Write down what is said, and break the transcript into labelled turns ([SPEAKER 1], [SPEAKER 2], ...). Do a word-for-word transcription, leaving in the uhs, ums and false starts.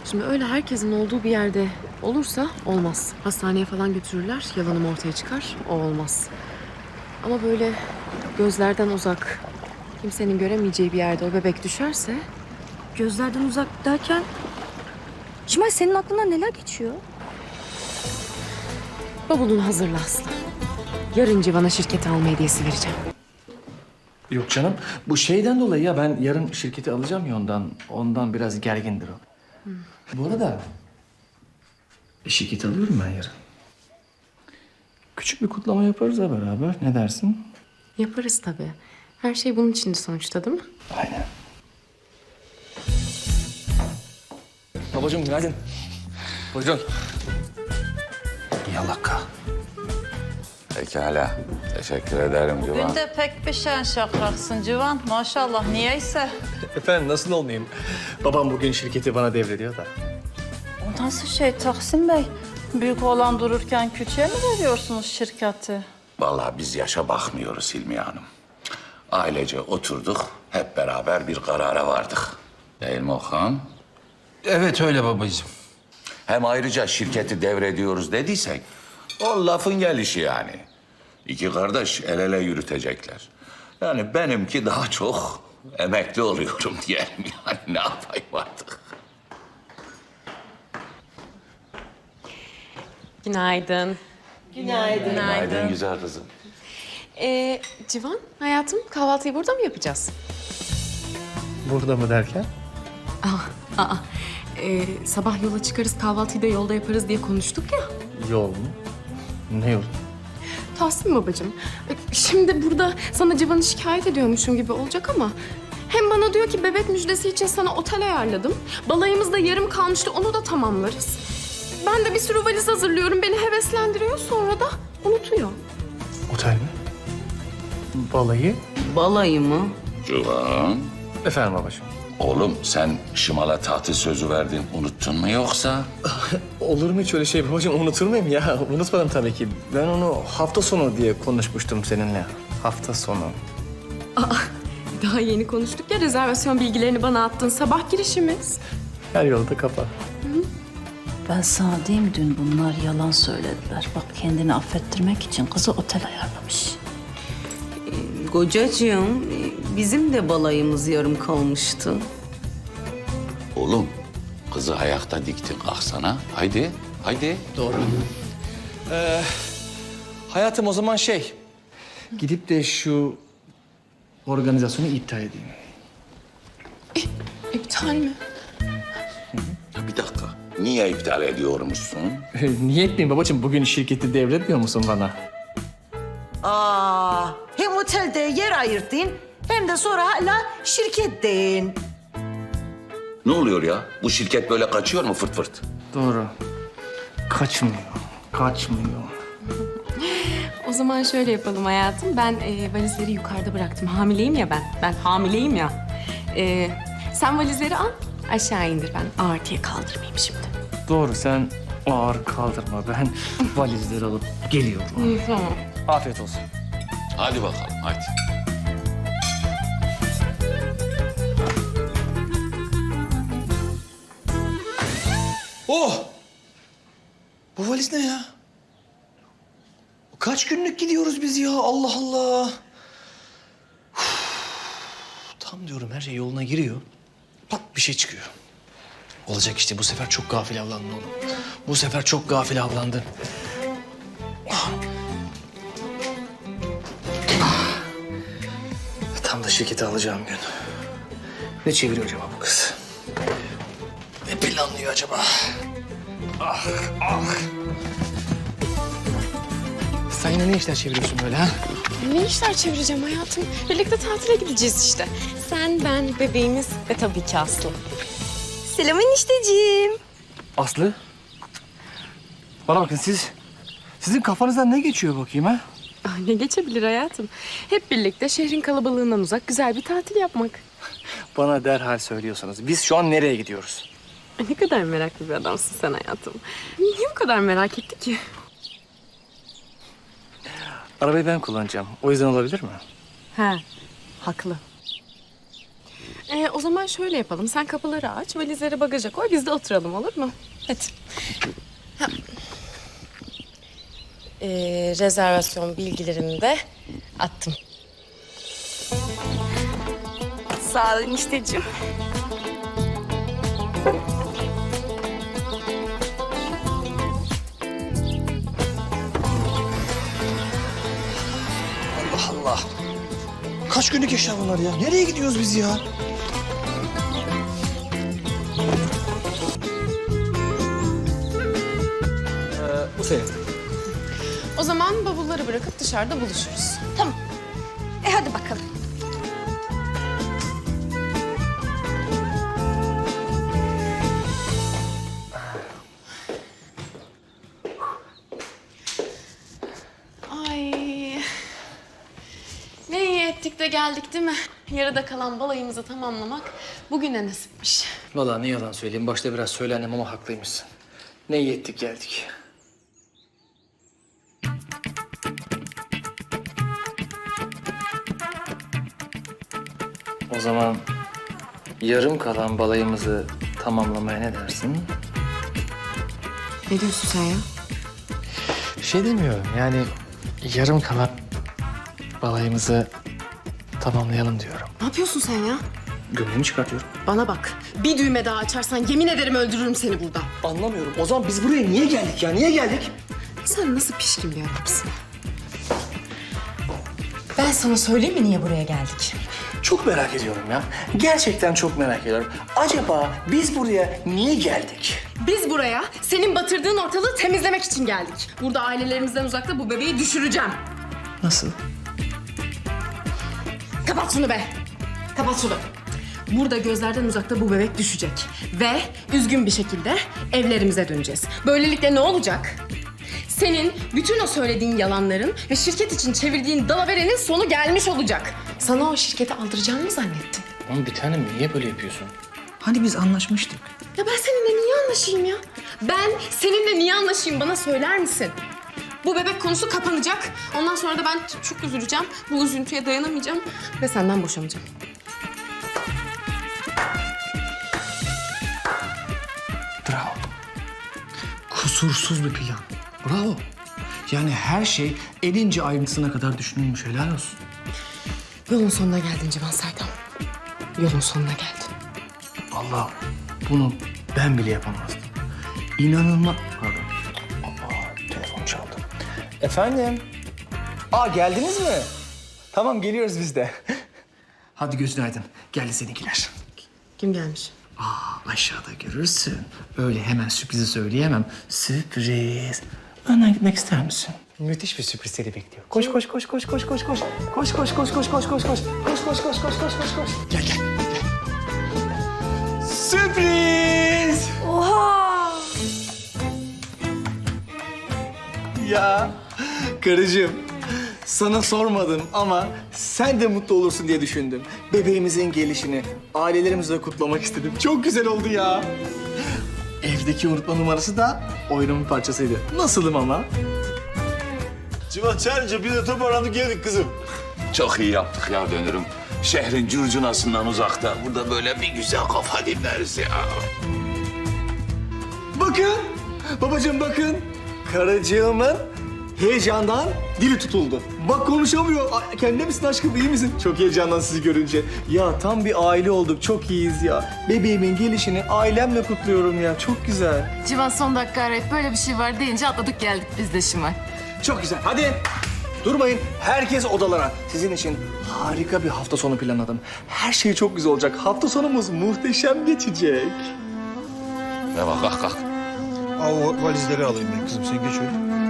[SPEAKER 1] Şimdi öyle herkesin olduğu bir yerde olursa olmaz. Hastaneye falan götürürler, yalanım ortaya çıkar, o olmaz. Ama böyle gözlerden uzak, kimsenin göremeyeceği bir yerde o bebek düşerse...
[SPEAKER 2] Gözlerden uzak derken... Şimal senin aklından neler geçiyor?
[SPEAKER 1] Bavulunu hazırla Aslı. Yarın Civan'a şirkete alma hediyesi vereceğim.
[SPEAKER 3] Yok canım. Bu şeyden dolayı ya ben yarın şirketi alacağım ya ondan. Ondan biraz gergindir o. Hmm. Bu arada şirketi alıyorum ben yarın. Küçük bir kutlama yaparız ha beraber. Ne dersin?
[SPEAKER 1] Yaparız tabii. Her şey bunun içindi sonuçta değil mi?
[SPEAKER 3] Aynen. Babacığım günaydın. Buyurun. Yalaka.
[SPEAKER 4] Pekala. Teşekkür ederim Civan.
[SPEAKER 5] Bugün de pek bir şen şakraksın Civan. Maşallah niyeyse.
[SPEAKER 3] Efendim nasıl olmayayım? Babam bugün şirketi bana devrediyor da.
[SPEAKER 5] O nasıl şey Tahsin Bey? Büyük olan dururken küçüğe mi veriyorsunuz şirketi?
[SPEAKER 4] Vallahi biz yaşa bakmıyoruz Hilmiye Hanım. Ailece oturduk, hep beraber bir karara vardık. Değil mi Okan?
[SPEAKER 6] Evet öyle babacığım.
[SPEAKER 4] Hem ayrıca şirketi devrediyoruz dediysek, o lafın gelişi yani. İki kardeş el ele yürütecekler. Yani benimki daha çok emekli oluyorum diyelim yani ne yapayım artık.
[SPEAKER 1] Günaydın.
[SPEAKER 5] Günaydın.
[SPEAKER 4] Günaydın güzel kızım.
[SPEAKER 1] Ee, Civan, hayatım kahvaltıyı burada mı yapacağız?
[SPEAKER 3] Burada mı derken?
[SPEAKER 1] Aa, aa. Ee, sabah yola çıkarız, kahvaltıyı da yolda yaparız diye konuştuk ya.
[SPEAKER 3] Yol mu? Ne yol?
[SPEAKER 1] Tahsin babacığım, şimdi burada sana Civan'ı şikayet ediyormuşum gibi olacak ama... Hem bana diyor ki bebek müjdesi için sana otel ayarladım. Balayımız da yarım kalmıştı, onu da tamamlarız. Ben de bir sürü valiz hazırlıyorum, beni heveslendiriyor, sonra da unutuyor.
[SPEAKER 3] Otel mi? Balayı?
[SPEAKER 2] Balayı mı?
[SPEAKER 4] Civan,
[SPEAKER 3] Efendim babacığım.
[SPEAKER 4] oğlum sen Şimal'a tatil sözü verdin, unuttun mu yoksa?
[SPEAKER 3] Olur mu hiç öyle şey babacığım? Unutur muyum ya? Unutmadım tabii ki. Ben onu hafta sonu diye konuşmuştum seninle. Hafta sonu.
[SPEAKER 1] Daha yeni konuştuk ya, rezervasyon bilgilerini bana attın. Sabah girişimiz.
[SPEAKER 3] Her yolda kapat.
[SPEAKER 2] Ben sana diyeyim dün bunlar yalan söylediler. Bak kendini affettirmek için kızı otel ayarlamış.
[SPEAKER 7] Kocacığım, bizim de balayımız yarım kalmıştı.
[SPEAKER 4] Oğlum, kızı ayakta diktin kalksana. Haydi, haydi.
[SPEAKER 3] Doğru. Ee, hayatım o zaman şey... Gidip de şu organizasyonu iptal edeyim.
[SPEAKER 1] İptal mi?
[SPEAKER 4] Ya bir dakika, niye iptal ediyormuşsun?
[SPEAKER 3] Niye etmeyeyim babacığım? Bugün şirketi devretmiyor musun bana?
[SPEAKER 8] Aa, hem otelde yer ayırttın hem de sonra hala şirketteyin.
[SPEAKER 4] Ne oluyor ya? Bu şirket böyle kaçıyor mu fırt fırt?
[SPEAKER 3] Doğru. Kaçmıyor. Kaçmıyor.
[SPEAKER 1] O zaman şöyle yapalım hayatım. Ben e, valizleri yukarıda bıraktım. Hamileyim ya ben. Ben hamileyim ya. E, sen valizleri al, aşağı indir. Ben ağır diye kaldırmayayım şimdi.
[SPEAKER 3] Doğru sen ağır kaldırma. Ben valizleri alıp geliyorum.
[SPEAKER 1] Tamam.
[SPEAKER 3] Afiyet olsun.
[SPEAKER 4] Hadi bakalım, hadi.
[SPEAKER 6] Oh! Bu valiz ne ya? Kaç günlük gidiyoruz biz ya? Allah Allah. Uf, tam diyorum her şey yoluna giriyor. Pat bir şey çıkıyor. Olacak işte bu sefer çok gafil avlandın oğlum. Bu sefer çok gafil avlandın. Ah. Ah. Tam da şirketi alacağım gün. Ne çeviriyor acaba bu kız? Ne planlıyor acaba? Ah, ah. Sen yine ne işler çeviriyorsun böyle ha?
[SPEAKER 1] Ne işler çevireceğim hayatım? Birlikte tatile gideceğiz işte. Sen, ben, bebeğimiz ve tabii ki Aslı.
[SPEAKER 2] Selam enişteciğim.
[SPEAKER 3] Aslı. Bana bakın siz... Sizin kafanızdan ne geçiyor bakayım ha?
[SPEAKER 1] Ah, ne geçebilir hayatım? Hep birlikte şehrin kalabalığından uzak güzel bir tatil yapmak.
[SPEAKER 3] Bana derhal söylüyorsanız biz şu an nereye gidiyoruz?
[SPEAKER 1] Ay, ne kadar meraklı bir adamsın sen hayatım. Niye bu kadar merak etti ki?
[SPEAKER 3] Arabayı ben kullanacağım. O yüzden olabilir mi?
[SPEAKER 1] He, haklı. Ee, o zaman şöyle yapalım. Sen kapıları aç, valizleri bagaja koy. Biz de oturalım, olur mu? Hadi. Ha. Ee, rezervasyon bilgilerimi de attım. Sağ ol enişteciğim.
[SPEAKER 6] Allah Allah. Kaç günlük eşya bunlar ya? Nereye gidiyoruz biz ya?
[SPEAKER 3] Ee, bu senin.
[SPEAKER 1] O zaman bavulları bırakıp dışarıda buluşuruz.
[SPEAKER 8] Tamam. E hadi bakalım.
[SPEAKER 1] Ay. Ne iyi ettik de geldik değil mi? Yarıda kalan balayımızı tamamlamak bugüne nasipmiş.
[SPEAKER 3] Vallahi ne yalan söyleyeyim. Başta biraz söylendim ama haklıymışsın. Ne iyi ettik geldik. O zaman yarım kalan balayımızı tamamlamaya ne dersin?
[SPEAKER 1] Ne diyorsun sen ya?
[SPEAKER 3] Şey demiyorum yani yarım kalan balayımızı tamamlayalım diyorum.
[SPEAKER 1] Ne yapıyorsun sen ya?
[SPEAKER 3] Gömleğimi çıkartıyorum.
[SPEAKER 1] Bana bak. Bir düğme daha açarsan yemin ederim öldürürüm seni burada.
[SPEAKER 3] Anlamıyorum. O zaman biz buraya niye geldik ya? Niye geldik?
[SPEAKER 1] Sen nasıl pişkin bir adamsın? Ben sana söyleyeyim mi niye buraya geldik?
[SPEAKER 3] Çok merak ediyorum ya. Gerçekten çok merak ediyorum. Acaba biz buraya niye geldik?
[SPEAKER 1] Biz buraya senin batırdığın ortalığı temizlemek için geldik. Burada ailelerimizden uzakta bu bebeği düşüreceğim.
[SPEAKER 3] Nasıl?
[SPEAKER 1] Kapat şunu be. Kapat şunu. Burada gözlerden uzakta bu bebek düşecek. Ve üzgün bir şekilde evlerimize döneceğiz. Böylelikle ne olacak? Senin bütün o söylediğin yalanların ve şirket için çevirdiğin dalaverenin sonu gelmiş olacak. Sana o şirketi aldıracağını mı zannettin?
[SPEAKER 3] Oğlum bir tanem niye böyle yapıyorsun?
[SPEAKER 6] Hani biz anlaşmıştık?
[SPEAKER 1] Ya ben seninle niye anlaşayım ya? Ben seninle niye anlaşayım bana söyler misin? Bu bebek konusu kapanacak. Ondan sonra da ben çok üzüleceğim. Bu üzüntüye dayanamayacağım ve senden boşanacağım.
[SPEAKER 6] Bravo. Kusursuz bir plan. Bravo. Yani her şey en ince ayrıntısına kadar düşünülmüş. Helal olsun.
[SPEAKER 1] Yolun sonuna geldin Civan Saydam. Yolun sonuna geldin.
[SPEAKER 6] Allah, bunu ben bile yapamazdım. İnanılmaz. Pardon. Aa, telefon çaldı.
[SPEAKER 3] Efendim? Aa geldiniz mi? Tamam geliyoruz biz de.
[SPEAKER 6] Hadi gözün aydın. Geldi seninkiler.
[SPEAKER 1] Kim gelmiş?
[SPEAKER 6] Aa, aşağıda görürsün. Öyle hemen sürprizi söyleyemem. Sürpriz. Önden gitmek ister misin?
[SPEAKER 3] Müthiş bir sürpriz seni bekliyor. Koş koş koş koş koş koş koş. Koş koş koş koş koş koş koş. Koş koş koş koş koş koş koş.
[SPEAKER 6] Gel gel.
[SPEAKER 3] Sürpriz! Oha! Ya karıcığım sana sormadım ama sen de mutlu olursun diye düşündüm. Bebeğimizin gelişini ailelerimizle kutlamak istedim. Çok güzel oldu ya. Evdeki unutma numarası da oyunun parçasıydı. Nasılım ama?
[SPEAKER 9] Civan çağırınca biz de toparlandık geldik kızım.
[SPEAKER 4] Çok iyi yaptık ya dönürüm. Şehrin curcunasından uzakta. Burada böyle bir güzel kafa dinleriz ya.
[SPEAKER 3] Bakın, babacığım bakın. Karıcığımın heyecandan dili tutuldu. Bak konuşamıyor. Ay, kendine misin aşkım, iyi misin? Çok heyecandan sizi görünce. Ya tam bir aile olduk, çok iyiyiz ya. Bebeğimin gelişini ailemle kutluyorum ya, çok güzel.
[SPEAKER 5] Civan son dakika arayıp böyle bir şey var deyince atladık geldik biz de Şimal.
[SPEAKER 3] Çok güzel, hadi. Durmayın, herkes odalara. Sizin için harika bir hafta sonu planladım. Her şey çok güzel olacak. Hafta sonumuz muhteşem geçecek.
[SPEAKER 4] Ne bak kalk kalk.
[SPEAKER 9] Al o valizleri alayım ben kızım sen geç öyle.